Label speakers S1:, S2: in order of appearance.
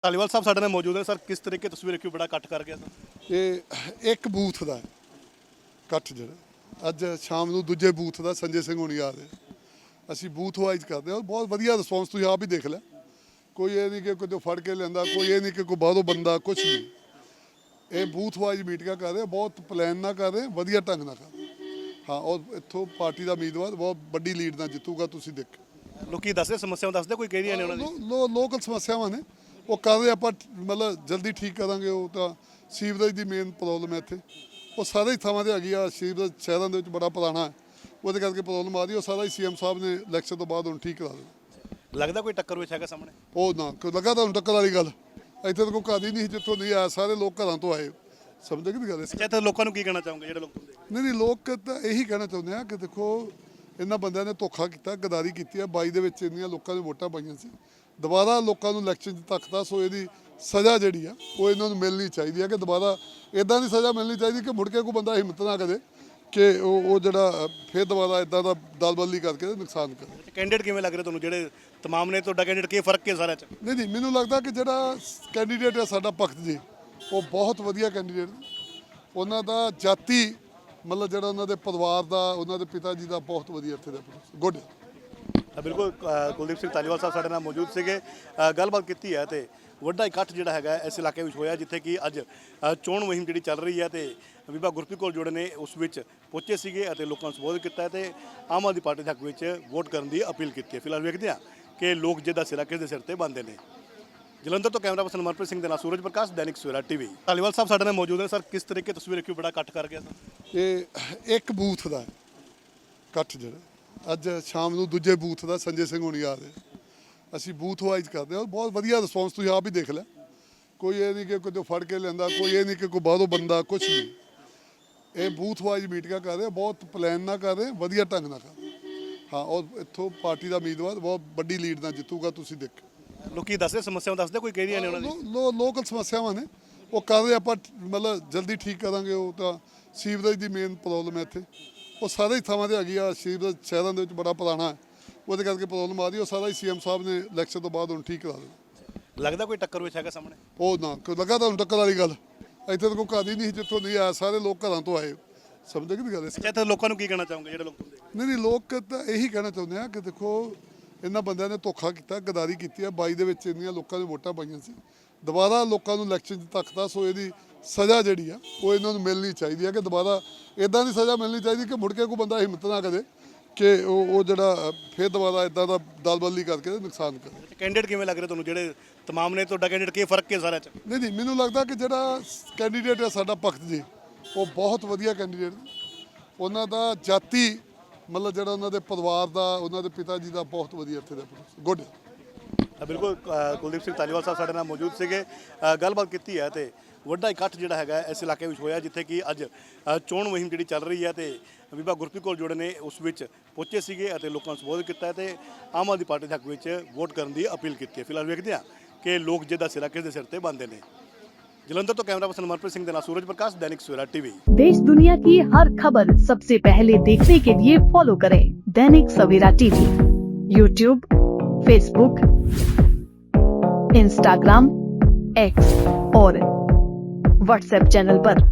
S1: ਧਾਲੀਵਾਲ ਸਾਹਿਬ ਸਾਡੇ ਨਾਲ ਮੌਜੂਦ ਨੇ। ਸਰ ਕਿਸ ਤਰੀਕੇ ਤਸਵੀਰ ਦੇਖੀ, ਬੜਾ ਇਕੱਠ ਕਰ ਗਿਆ ਸਰ।
S2: ਇਹ ਇੱਕ ਬੂਥ ਦਾ ਇਕੱਠ ਜਿਹੜਾ ਅੱਜ ਸ਼ਾਮ ਨੂੰ ਦੂਜੇ ਬੂਥ ਦਾ ਸੰਜੇ ਸਿੰਘ ਹੋਣੀ ਆ ਰਹੇ। ਅਸੀਂ ਬੂਥ ਵਾਈਜ਼ ਕਰਦੇ ਹਾਂ, ਬਹੁਤ ਵਧੀਆ ਰਿਸਪੌਂਸ ਤੁਸੀਂ ਆਪ ਹੀ ਦੇਖ ਲਿਆ। ਕੋਈ ਇਹ ਨਹੀਂ ਕਿ ਕੋਈ ਫੜ ਕੇ ਲੈਂਦਾ, ਕੋਈ ਇਹ ਨਹੀਂ ਕਿ ਕੋਈ ਬਾਹਰੋਂ ਬੰਦਾ, ਕੁਛ ਨਹੀਂ। ਇਹ ਬੂਥ ਵਾਈਜ਼ ਮੀਟਿੰਗਾਂ ਕਰ ਰਹੇ, ਬਹੁਤ ਪਲਾਨ ਨਾਲ ਕਰ ਰਹੇ, ਵਧੀਆ ਢੰਗ ਨਾਲ ਕਰ ਰਹੇ। ਹਾਂ, ਔਰ ਇੱਥੋਂ ਪਾਰਟੀ ਦਾ ਉਮੀਦਵਾਰ ਬਹੁਤ ਵੱਡੀ ਲੀਡ ਨਾਲ ਜਿੱਤੂਗਾ, ਤੁਸੀਂ ਦੇਖੋ।
S1: ਲੋਕੀ ਦੱਸਦੇ ਸਮੱਸਿਆਵਾਂ ਦੱਸਦੇ, ਕੋਈ ਕਹਿ ਰਹੀਆਂ ਨੇ ਉਹਨਾਂ ਦੀ
S2: ਲੋਕਲ ਸਮੱਸਿਆਵਾਂ ਨੇ, ਉਹ ਕਰ ਰਹੇ। ਆਪਾਂ ਮਤਲਬ ਜਲਦੀ ਠੀਕ ਕਰਾਂਗੇ। ਉਹ ਤਾਂ ਸੀਵਰੇਜ ਦੀ ਮੇਨ ਪ੍ਰੋਬਲਮ ਹੈ ਇੱਥੇ, ਉਹ ਸਾਰੇ ਹੀ ਥਾਵਾਂ ਤੇ ਹੈਗੀ ਆ। ਸੀਵਰੇਜ ਸ਼ਹਿਰਾਂ ਦੇ ਵਿੱਚ ਬੜਾ ਪੁਰਾਣਾ ਹੈ, ਉਹਦੇ ਕਰਕੇ ਪ੍ਰੋਬਲਮ ਆ ਰਹੀ। ਉਹ ਸਾਰਾ ਹੀ ਸੀਐਮ ਸਾਹਿਬ ਨੇ ਇਲੈਕਸ਼ਨ ਤੋਂ ਬਾਅਦ ਹੁਣ ਠੀਕ ਕਰਾ ਦੇਣਾ।
S1: ਲੱਗਦਾ ਕੋਈ ਟੱਕਰ ਵਿੱਚ ਹੈਗਾ ਸਾਹਮਣੇ?
S2: ਉਹ ਨਾ ਕੋਈ ਲੱਗਾ ਤੁਹਾਨੂੰ ਟੱਕਰ ਵਾਲੀ ਗੱਲ, ਇੱਥੇ ਤਾਂ ਕੋਈ ਘਰ ਹੀ ਨਹੀਂ ਜਿੱਥੋਂ ਨਹੀਂ ਆਇਆ, ਸਾਰੇ ਲੋਕ ਘਰਾਂ ਤੋਂ ਆਏ। ਸਮਝਦੇ ਕਿ ਗੱਲ?
S1: ਅੱਛਾ, ਇੱਥੇ ਲੋਕਾਂ ਨੂੰ ਕੀ ਕਹਿਣਾ ਚਾਹੋਗੇ ਜਿਹੜੇ ਲੋਕ?
S2: ਨਹੀਂ, ਲੋਕ ਤਾਂ ਇਹੀ ਕਹਿਣਾ ਚਾਹੁੰਦੇ ਆ ਕਿ ਦੇਖੋ, ਇਹਨਾਂ ਬੰਦਿਆਂ ਨੇ ਧੋਖਾ ਕੀਤਾ, ਗਦਾਰੀ ਕੀਤੀ ਹੈ। 22 ਦੇ ਵਿੱਚ ਇੰਨੀਆਂ ਲੋਕਾਂ ਨੇ ਵੋਟਾਂ ਪਾਈਆਂ ਸੀ, ਦੁਬਾਰਾ ਲੋਕਾਂ ਨੂੰ ਇਲੈਕਸ਼ਨ 'ਚ ਧੱਕਦਾ। ਸੋ ਇਹਦੀ ਸਜ਼ਾ ਜਿਹੜੀ ਆ ਉਹ ਇਹਨਾਂ ਨੂੰ ਮਿਲਣੀ ਚਾਹੀਦੀ ਹੈ ਕਿ ਦੁਬਾਰਾ ਇੱਦਾਂ ਦੀ ਸਜ਼ਾ ਮਿਲਣੀ ਚਾਹੀਦੀ ਕਿ ਮੁੜ ਕੇ ਕੋਈ ਬੰਦਾ ਹਿੰਮਤ ਨਾ ਕਰੇ ਕਿ ਉਹ ਜਿਹੜਾ ਫਿਰ ਦੁਬਾਰਾ ਇੱਦਾਂ ਦਾ ਦਲਬਦਲੀ ਕਰਕੇ ਨੁਕਸਾਨ ਕਰੇ।
S1: ਕੈਂਡੀਡੇਟ ਕਿਵੇਂ ਲੱਗ ਰਹੇ ਤੁਹਾਨੂੰ ਜਿਹੜੇ ਤਮਾਮ ਨੇ? ਤੁਹਾਡਾ ਕੈਂਡੀਡੇਟ ਕੀ ਫਰਕ ਹੈ ਸਾਰਿਆਂ 'ਚ?
S2: ਨਹੀਂ, ਮੈਨੂੰ ਲੱਗਦਾ ਕਿ ਜਿਹੜਾ ਕੈਂਡੀਡੇਟ ਹੈ ਸਾਡਾ ਭਗਤ ਜੀ, ਉਹ ਬਹੁਤ ਵਧੀਆ ਕੈਂਡੀਡੇਟ। ਉਹਨਾਂ ਦਾ ਜਾਤੀ ਮਤਲਬ ਜਿਹੜਾ ਉਹਨਾਂ ਦੇ ਪਰਿਵਾਰ ਦਾ, ਉਹਨਾਂ ਦੇ ਪਿਤਾ ਜੀ ਦਾ ਬਹੁਤ ਵਧੀਆ ਇੱਥੇ ਦਾ ਗੁੱਡ।
S1: ਬਿਲਕੁਲ, ਕੁਲਦੀਪ ਸਿੰਘ ਧਾਲੀਵਾਲ ਸਾਹਿਬ ਸਾਡੇ ਨਾਲ ਮੌਜੂਦ ਸੀਗੇ। ਗੱਲਬਾਤ ਕੀਤੀ ਹੈ ਤੇ ਵੱਡਾ ਇਕੱਠ ਜਿਹੜਾ ਹੈਗਾ ਇਸ ਇਲਾਕੇ ਵਿੱਚ ਹੋਇਆ, ਜਿੱਥੇ ਕਿ ਅੱਜ ਚੋਣ ਮੁਹਿੰਮ ਜਿਹੜੀ ਚੱਲ ਰਹੀ ਹੈ ਤੇ ਬੀਬਾ ਗੁਰਪ੍ਰੀਤ ਕੌਰ ਜੋੜੇ ਨੇ ਉਸ ਵਿੱਚ ਪਹੁੰਚੇ ਸੀਗੇ ਅਤੇ ਲੋਕਾਂ ਨੂੰ ਸੰਬੋਧਨ ਕੀਤਾ ਤੇ ਆਮ ਆਦਮੀ ਪਾਰਟੀ ਦੇ ਹੱਕ ਵਿੱਚ ਵੋਟ ਕਰਨ ਦੀ ਅਪੀਲ ਕੀਤੀ ਹੈ। ਫਿਲਹਾਲ ਵੇਖਦੇ ਹਾਂ ਕਿ ਲੋਕ ਜਿਹਦਾ ਸਿਰਾ ਕਿਸ ਦੇ ਸਿਰ ਤੇ ਬੰਨ੍ਹਦੇ ਨੇ। ਜਲੰਧਰ ਤੋਂ ਕੈਮਰਾ ਪਰਸਨ ਮਨਪ੍ਰੀਤ ਸਿੰਘ ਦੇ ਨਾਲ ਸੂਰਜ ਪ੍ਰਕਾਸ਼, ਦੈਨਿਕ ਸਵੇਰਾ ਟੀਵੀ। ਧਾਲੀਵਾਲ ਸਾਹਿਬ ਸਾਡੇ ਨਾਲ ਮੌਜੂਦ ਨੇ। ਸਰ ਕਿਸ ਤਰੀਕੇ ਤਸਵੀਰ ਦੇਖੀ, ਬੜਾ ਇਕੱਠ ਕਰ ਗਿਆ ਸਰ।
S2: ਇਹ ਇੱਕ ਬੂਥ ਦਾ ਇਕੱਠ ਜਿਹੜਾ ਅੱਜ ਸ਼ਾਮ ਨੂੰ ਦੂਜੇ ਬੂਥ ਦਾ ਸੰਜੇ ਸਿੰਘ ਹੋਣੀ ਆ ਰਹੇ। ਅਸੀਂ ਬੂਥ ਵਾਈਜ਼ ਕਰਦੇ ਹਾਂ, ਬਹੁਤ ਵਧੀਆ ਰਿਸਪੌਂਸ ਤੁਸੀਂ ਆਪ ਹੀ ਦੇਖ ਲਿਆ। ਕੋਈ ਇਹ ਨਹੀਂ ਕਿ ਕੋਈ ਫੜ ਕੇ ਲੈਂਦਾ, ਕੋਈ ਇਹ ਨਹੀਂ ਕਿ ਕੋਈ ਬਾਹਰੋਂ ਬੰਦਾ, ਕੁਛ ਨਹੀਂ। ਇਹ ਬੂਥ ਵਾਈਜ਼ ਮੀਟਿੰਗਾਂ ਕਰ ਰਹੇ, ਬਹੁਤ ਪਲਾਨ ਨਾਲ ਕਰ ਰਹੇ, ਵਧੀਆ ਢੰਗ ਨਾਲ ਕਰ ਰਹੇ। ਹਾਂ, ਔਰ ਇੱਥੋਂ ਪਾਰਟੀ ਦਾ ਉਮੀਦਵਾਰ ਬਹੁਤ ਵੱਡੀ ਲੀਡ ਨਾਲ ਜਿੱਤੂਗਾ, ਤੁਸੀਂ ਦੇਖੋ।
S1: ਲੋਕੀ ਦੱਸਦੇ ਸਮੱਸਿਆਵਾਂ ਦੱਸਦੇ, ਕੋਈ ਕਹਿ ਰਹੀਆਂ ਨੇ ਉਹਨਾਂ ਦੀ
S2: ਲੋਕਲ ਸਮੱਸਿਆਵਾਂ ਨੇ, ਉਹ ਕਰ ਰਹੇ। ਆਪਾਂ ਮਤਲਬ ਜਲਦੀ ਠੀਕ ਕਰਾਂਗੇ। ਉਹ ਤਾਂ ਸੀਵਰੇਜ ਦੀ ਮੇਨ ਪ੍ਰੋਬਲਮ ਹੈ ਇੱਥੇ, ਉਹ ਸਾਰੇ ਹੀ ਥਾਵਾਂ ਤੇ ਹੈਗੀ ਆ। ਸੀਵਰੇਜ ਸ਼ਹਿਰਾਂ ਦੇ ਵਿੱਚ ਬੜਾ ਪੁਰਾਣਾ ਹੈ, ਉਹਦੇ ਕਰਕੇ ਪ੍ਰੋਬਲਮ ਆ ਰਹੀ। ਉਹ ਸਾਰਾ ਹੀ ਸੀਐਮ ਸਾਹਿਬ ਨੇ ਇਲੈਕਸ਼ਨ ਤੋਂ ਬਾਅਦ ਹੁਣ ਠੀਕ ਕਰਾ ਦੇਣਾ।
S1: ਲੱਗਦਾ ਕੋਈ ਟੱਕਰ ਵਿੱਚ ਹੈਗਾ ਸਾਹਮਣੇ?
S2: ਉਹ ਨਾ ਕੋਈ ਲੱਗਾ ਤੁਹਾਨੂੰ ਟੱਕਰ ਵਾਲੀ ਗੱਲ, ਇੱਥੇ ਤਾਂ ਕੋਈ ਘਰ ਹੀ ਨਹੀਂ ਜਿੱਥੋਂ ਨਹੀਂ ਆਇਆ, ਸਾਰੇ ਲੋਕ ਘਰਾਂ ਤੋਂ ਆਏ। ਸਮਝਦੇ ਕਿ ਗੱਲ?
S1: ਅੱਛਾ, ਇੱਥੇ ਲੋਕਾਂ ਨੂੰ ਕੀ ਕਹਿਣਾ ਚਾਹੋਗੇ ਜਿਹੜੇ ਲੋਕ?
S2: ਨਹੀਂ, ਲੋਕ ਤਾਂ ਇਹੀ ਕਹਿਣਾ ਚਾਹੁੰਦੇ ਆ ਕਿ ਦੇਖੋ, ਇਹਨਾਂ ਬੰਦਿਆਂ ਨੇ ਧੋਖਾ ਕੀਤਾ, ਗਦਾਰੀ ਕੀਤੀ ਹੈ। 22 ਦੇ ਵਿੱਚ ਇੰਨੀਆਂ ਲੋਕਾਂ ਨੇ ਵੋਟਾਂ ਪਾਈਆਂ ਸੀ, ਦੁਬਾਰਾ ਲੋਕਾਂ ਨੂੰ ਇਲੈਕਸ਼ਨ 'ਚ ਧੱਕਦਾ। ਸੋ ਇਹਦੀ ਸਜ਼ਾ ਜਿਹੜੀ ਆ ਉਹ ਇਹਨਾਂ ਨੂੰ ਮਿਲਣੀ ਚਾਹੀਦੀ ਹੈ ਕਿ ਦੁਬਾਰਾ ਇੱਦਾਂ ਦੀ ਸਜ਼ਾ ਮਿਲਣੀ ਚਾਹੀਦੀ ਕਿ ਮੁੜ ਕੇ ਕੋਈ ਬੰਦਾ ਹਿੰਮਤ ਨਾ ਕਰੇ ਕਿ ਉਹ ਜਿਹੜਾ ਫਿਰ ਦੁਬਾਰਾ ਇੱਦਾਂ ਦਾ ਦਲਬਦਲੀ ਕਰਕੇ ਨੁਕਸਾਨ ਕਰੇ।
S1: ਕੈਂਡੀਡੇਟ ਕਿਵੇਂ ਲੱਗ ਰਹੇ ਤੁਹਾਨੂੰ ਜਿਹੜੇ ਤਮਾਮ ਨੇ? ਤੁਹਾਡਾ ਕੈਂਡੀਡੇਟ ਕੀ ਫਰਕ ਹੈ ਸਾਰਿਆਂ 'ਚ?
S2: ਨਹੀਂ, ਮੈਨੂੰ ਲੱਗਦਾ ਕਿ ਜਿਹੜਾ ਕੈਂਡੀਡੇਟ ਹੈ ਸਾਡਾ ਭਗਤ ਜੀ, ਉਹ ਬਹੁਤ ਵਧੀਆ ਕੈਂਡੀਡੇਟ। ਉਹਨਾਂ ਦਾ ਜਾਤੀ ਮਤਲਬ ਜਿਹੜਾ ਉਹਨਾਂ ਦੇ ਪਰਿਵਾਰ ਦਾ, ਉਹਨਾਂ ਦੇ ਪਿਤਾ ਜੀ ਦਾ ਬਹੁਤ ਵਧੀਆ ਇੱਥੇ ਦਾ ਗੁੱਡ।
S1: ਬਿਲਕੁਲ, ਕੁਲਦੀਪ ਸਿੰਘ ਧਾਲੀਵਾਲ ਸਾਹਿਬ ਸਾਡੇ ਨਾਲ ਮੌਜੂਦ ਸੀਗੇ। ਗੱਲਬਾਤ ਕੀਤੀ ਹੈ ਤੇ ਵੱਡਾ ਇਕੱਠ ਜਿਹੜਾ ਹੈਗਾ ਇਸ ਇਲਾਕੇ ਵਿੱਚ ਹੋਇਆ, ਜਿੱਥੇ ਕਿ ਅੱਜ ਚੋਣ ਮੁਹਿੰਮ ਜਿਹੜੀ ਚੱਲ ਰਹੀ ਹੈ ਤੇ ਬੀਬਾ ਗੁਰਪ੍ਰੀਤ ਕੌਰ ਜੋੜੇ ਨੇ ਉਸ ਵਿੱਚ ਪਹੁੰਚੇ ਸੀਗੇ ਅਤੇ ਲੋਕਾਂ ਨੂੰ ਸੰਬੋਧਨ ਕੀਤਾ ਤੇ ਆਮ ਆਦਮੀ ਪਾਰਟੀ ਦੇ ਹੱਕ ਵਿੱਚ ਵੋਟ ਕਰਨ ਦੀ ਅਪੀਲ ਕੀਤੀ ਹੈ। ਫਿਲਹਾਲ ਵੇਖਦੇ ਹਾਂ ਕਿ ਲੋਕ ਜਿਹਦਾ ਸਿਰਾ ਕਿਸ ਦੇ ਸਿਰ ਤੇ ਬੰਨ੍ਹਦੇ ਨੇ। जलंधर तो कैमरा पर्सन मनप्रीत सिंह देना, सूरज प्रकाश, दैनिक सवेरा टीवी।
S3: देश दुनिया की हर खबर सबसे पहले देखने के लिए फॉलो करें Dainik Savera TV, YouTube, Facebook, Instagram, X और व्हाट्सएप चैनल पर।